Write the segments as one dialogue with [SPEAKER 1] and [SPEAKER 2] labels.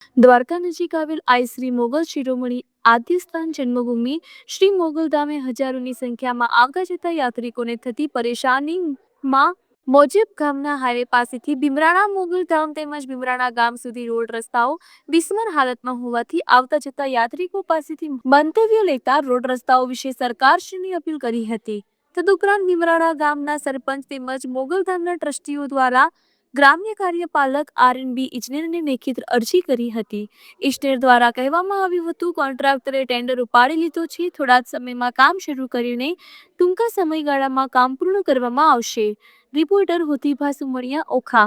[SPEAKER 1] દ્વારકા નજીક આવેલ આઈ શ્રી મોગલ શિરોમણી આદ્યસ્થાન જન્મભૂમિ શ્રી મોગલધામે હજારોની સંખ્યામાં આવતા જતા યાત્રિકોને થતી પરેશાનીમાં મોજેબ ગામના હાઈવે પાસેથી ભીમરાણા મોગલધામ તેમજ ભીમરાણા ગામ સુધી રોડ રસ્તાઓ બિસ્માર હાલતમાં હોવાથી આવતા જતા યાત્રિકો પાસેથી મંતવ્યો લેતા રોડ રસ્તાઓ વિશે સરકારશ્રીની અપીલ કરી હતી। તદુપરાંત ભીમરાણા ગામના સરપંચ તેમજ મોગલધામના ટ્રસ્ટીઓ દ્વારા ગ્રામ્ય કાર્યપાલક આર.એન.બી. ઇજનેરને લેખિત અરજી કરી હતી। ઇજનેર દ્વારા કહેવામાં આવ્યું હતું કોન્ટ્રાક્ટરે ટેન્ડર ઉપાડી લીધો છે, થોડા જ સમયમાં કામ શરૂ કરીને ટૂંકા સમયગાળામાં કામ પૂર્ણ કરવામાં આવશે। રિપોર્ટર હોતીભા સુમણિયા, ઓખા।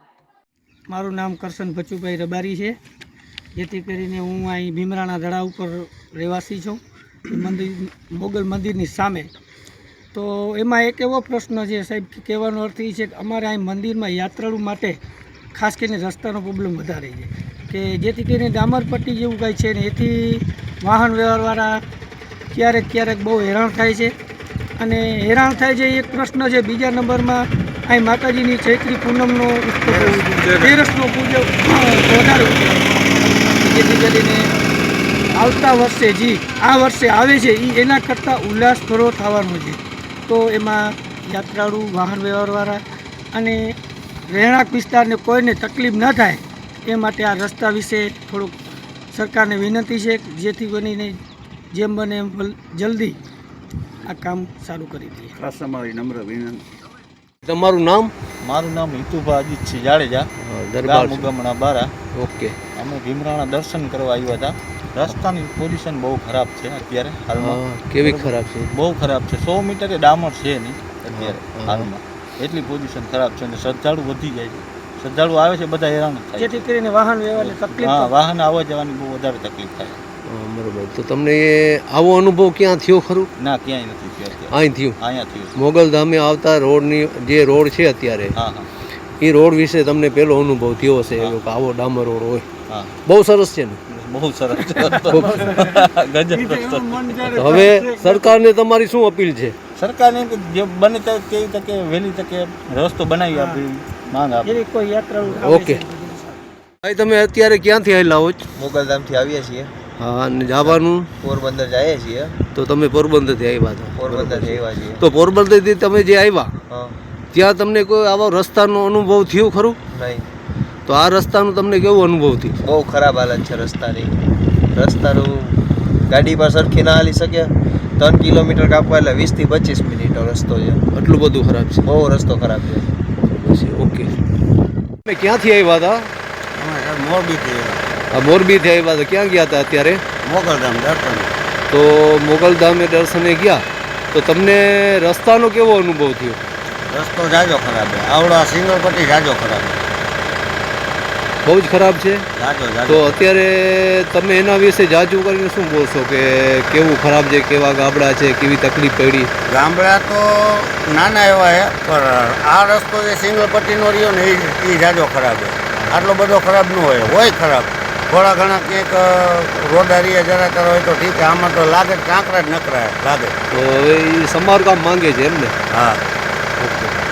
[SPEAKER 2] મારું નામ કરશન ભચુભાઈ રબારી છે, જેથી કરીને હું અહીં ભીમરાણા દડા ઉપર રહેવાસી છું, મોગલ મંદિરની સામે। તો એમાં એક એવો પ્રશ્ન છે સાહેબ, કહેવાનો અર્થ એ છે કે અમારે અહીં મંદિરમાં યાત્રાળુ માટે ખાસ કરીને રસ્તાનો પ્રોબ્લેમ વધારે છે, કે જેથી કરીને ડામરપટ્ટી જેવું કાંઈ છે ને, એથી વાહન વ્યવહારવાળા ક્યારેક બહુ હેરાન થાય છે। અને હેરાન થાય છે એક પ્રશ્ન છે। બીજા નંબરમાં અહીં માતાજીની ચૈત્રી પૂનમનો તેરસનો પૂજો વધારે, જેથી કરીને આવતા વર્ષે આ વર્ષે આવે છે એ એના કરતાં ઉલ્લાસભરો થવાનો છે। તો એમાં યાત્રાળુ, વાહન વ્યવહારવાળા અને રહેણાંક વિસ્તારને કોઈને તકલીફ ન થાય એ માટે આ રસ્તા વિશે થોડુંક સરકારને વિનંતી છે, જેથી કરીને જેમ બને એમ જલ્દી આ કામ સારું કરી દઈએ।
[SPEAKER 3] ખાસ અમારી નમ્ર વિનંતી।
[SPEAKER 4] તમારું નામ?
[SPEAKER 5] મારું નામ હિતુભા અજીતસિંહ જાડેજા,
[SPEAKER 4] દરબાર
[SPEAKER 5] મુગમણા બારા।
[SPEAKER 4] ઓકે।
[SPEAKER 5] અમે ભીમરાણા દર્શન કરવા આવ્યા હતા। રસ્તાની પોઝિશન બહુ ખરાબ છે અત્યારે હાલમાં।
[SPEAKER 4] કેવી ખરાબ છે?
[SPEAKER 5] બહુ ખરાબ છે, 100 મીટરે ડામર છે નહીં અત્યારે હાલમાં, એટલી પોઝિશન ખરાબ છે। અને શ્રદ્ધાળુ વધી જાય છે, શ્રદ્ધાળુ આવે છે, બધા હેરાન થાય,
[SPEAKER 2] જેથી કરીને વાહન વ્યવહારને તકલીફ,
[SPEAKER 5] હા, વાહન આવવા જવાની બહુ વધારે તકલીફ થાય।
[SPEAKER 4] બરોબર। તો તમને આવો અનુભવ ક્યાં થયો ખરું?
[SPEAKER 5] ના, ક્યાંય નથી થયો અત્યારે,
[SPEAKER 4] અહીં થયું?
[SPEAKER 5] અહીંયા થયું।
[SPEAKER 4] મોગલધામે આવતા રોડની જે રોડ છે અત્યારે,
[SPEAKER 5] હા હા,
[SPEAKER 4] એ રોડ વિશે તમને પહેલો અનુભવ થયો હશે કે આવો ડામર રોડ હોય?
[SPEAKER 5] હા,
[SPEAKER 4] બહુ સરસ છે ને?
[SPEAKER 5] બહુ સરસ ગજબ રસ્તો।
[SPEAKER 4] તો હવે સરકારને તમારી શું અપીલ છે?
[SPEAKER 5] સરકારને જે બને તેવી તકે વહેલી તકે રસ્તો બનાવી આપી માંગ આપે।
[SPEAKER 2] એવી કોઈ યાત્રાળુ
[SPEAKER 4] ઓકે ભાઈ, તમે અત્યારે ક્યાંથી આવેલા હો?
[SPEAKER 6] મોગલધામથી આવીએ છીએ।
[SPEAKER 4] હા, અને જવાનું
[SPEAKER 6] પોરબંદર જઈએ છીએ।
[SPEAKER 4] તો તમે પોરબંદરથી આવ્યા હતા?
[SPEAKER 6] પોરબંદરથી આવ્યા છીએ।
[SPEAKER 4] તો પોરબંદરથી તમે જે આવ્યા
[SPEAKER 6] હા,
[SPEAKER 4] ત્યાં તમને કોઈ આવો રસ્તાનો અનુભવ થયો ખરું?
[SPEAKER 6] નહીં।
[SPEAKER 4] તો આ રસ્તાનું તમને કેવો અનુભવ થયો?
[SPEAKER 6] બહુ ખરાબ હાલત છે રસ્તાની। રસ્તાનું ગાડી પર સરખી ના હાલી શકે। 3 કિલોમીટર કાપવા એટલે 20 થી 25 મિનિટનો રસ્તો છે।
[SPEAKER 4] એટલું બધું ખરાબ છે?
[SPEAKER 6] બહુ રસ્તો ખરાબ છે।
[SPEAKER 4] ઓકે। તમે ક્યાંથી આવ્યા હતા?
[SPEAKER 3] મોરબીથી
[SPEAKER 4] આ મોરબીથી આવ્યા હતા, ક્યાં ગયા હતા અત્યારે?
[SPEAKER 3] મોગલધામ દર્શન।
[SPEAKER 4] તો મોગલધામે દર્શને ગયા, તો તમને રસ્તાનો કેવો અનુભવ થયો?
[SPEAKER 3] રસ્તો જાજો ખરાબ છે, આવડા સિંગલ પટ્ટી જાજો ખરાબ છે,
[SPEAKER 4] બહુ જ ખરાબ છે?
[SPEAKER 3] જાજો
[SPEAKER 4] તો અત્યારે તમે એના વિશે જાજુ કરીને શું બોલશો કે કેવું ખરાબ છે, કેવા ગામડા છે, કેવી તકલીફ પડી?
[SPEAKER 3] ગામડા તો નાના એવા છે, પણ આ રસ્તો જે સિંગલ પટ્ટીનો રહ્યો ને એ જાજો ખરાબ છે। આટલો બધો ખરાબ ન હોય ખરાબ, થોડા ઘણા ક્યાંક રોડારીએ જરા કરો હોય તો ઠીક છે, આમાં તો લાગે કાંકરા જ નકરા લાગે।
[SPEAKER 4] તો હવે એ સમારકામ માંગે છે એમને?
[SPEAKER 3] હા।
[SPEAKER 4] ઓકે।